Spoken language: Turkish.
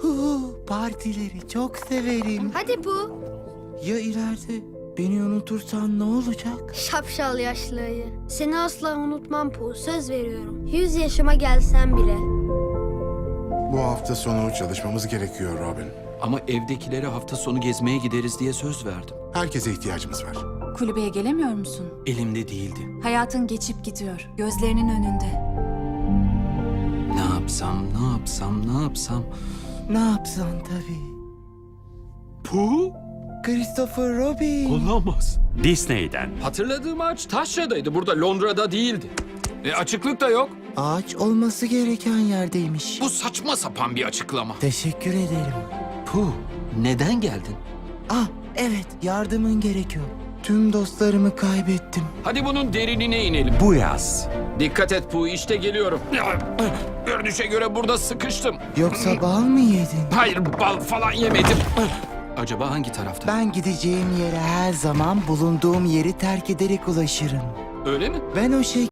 Partileri çok severim. Hadi Pu. Ya ileride beni unutursan ne olacak? Şapşal yaşlı ayı. Seni asla unutmam Pu. Söz veriyorum. 100 yaşıma gelsem bile. Bu hafta sonu çalışmamız gerekiyor Robin. Ama evdekilere hafta sonu gezmeye gideriz diye söz verdim. Herkese ihtiyacımız var. Kulübeye gelemiyor musun? Elimde değildi. Hayatın geçip gidiyor. Gözlerinin önünde. Ne yapsam, ne yapsam, ne yapsam? Ne yapsan tabii. Pu? Christopher Robin. Olamaz. Disney'den. Hatırladığım ağaç Taşra'daydı. Burada Londra'da değildi. Açıklık da yok. Ağaç olması gereken yerdeymiş. Bu saçma sapan bir açıklama. Teşekkür ederim. Pu, neden geldin? Ah evet, yardımın gerekiyor. Tüm dostlarımı kaybettim. Hadi bunun derinine inelim. Bu yaz. Dikkat et Pu, işte geliyorum. Görünüşe göre burada sıkıştım. Yoksa bal mı yedin? Hayır, bal falan yemedim. Acaba hangi tarafta? Ben gideceğim yere her zaman bulunduğum yeri terk ederek ulaşırım. Öyle mi? Ben o